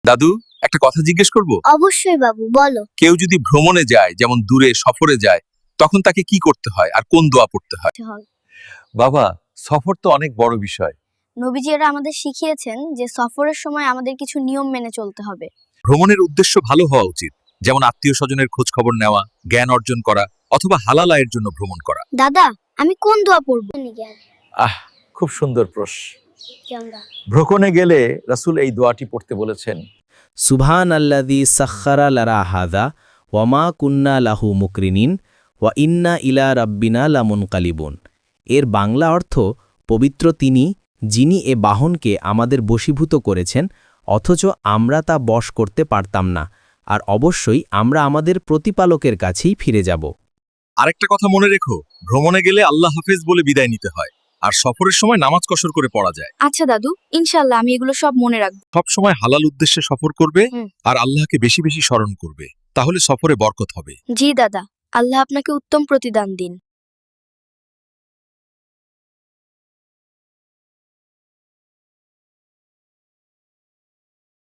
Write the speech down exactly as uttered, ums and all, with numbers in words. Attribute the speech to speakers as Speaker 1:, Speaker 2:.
Speaker 1: দাদু, একটা কথা জিজ্ঞেস করব?
Speaker 2: অবশ্যই বাবু, বলো।
Speaker 1: কেউ যদি ভ্রমণে যায়, যেমন দূরে সফরে যায়, তখন তাকে কি করতে হয় আর কোন দোয়া পড়তে হয়? বাবা, সফর তো অনেক বড় বিষয়।
Speaker 2: নবীজিরা আমাদের শিখিয়েছেন যে সফরের সময় আমাদের কিছু নিয়ম মেনে চলতে হবে।
Speaker 1: ভ্রমণের উদ্দেশ্য ভালো হওয়া উচিত, যেমন আত্মীয় স্বজনের খোঁজ খবর নেওয়া, জ্ঞান অর্জন করা অথবা হালাল আয়ের জন্য ভ্রমণ করা।
Speaker 2: দাদা, আমি কোন দোয়া পড়বো?
Speaker 3: আহ খুব সুন্দর প্রশ্ন। ভ্রমণে গেলে রাসূল এই দোয়াটি পড়তে বলেছেন।
Speaker 4: সুবহান আল্লাযী সাখখারা লানা হাযা ওয়া মা কুন্না লাহু মুকরিনিন ওয়া ইন্না ইলা রাব্বিনা লামুনকালিবুন। এর বাংলা অর্থ, পবিত্র তিনি, যিনি এ বাহনকে আমাদের বশীভূত করেছেন, অথচ আমরা তা বশ করতে পারতাম না, আর অবশ্যই আমরা আমাদের প্রতিপালকের কাছেই ফিরে যাব।
Speaker 1: আরেকটা কথা মনে রেখো, ভ্রমণে গেলে আল্লাহ হাফেজ বলে বিদায় নিতে হয়, আর সফরের সময় নামাজ কসর করে পড়া যায়।
Speaker 2: আচ্ছা দাদু, ইনশাআল্লাহ আমি এগুলো সব মনে রাখবো।
Speaker 1: সব সময় হালাল উদ্দেশ্যে সফর করবে
Speaker 2: হুম।
Speaker 1: আর আল্লাহকে বেশি বেশি স্মরণ করবে, তাহলে সফরে বরকত হবে।
Speaker 2: জি দাদা, আল্লাহ আপনাকে উত্তম প্রতিদান দিন।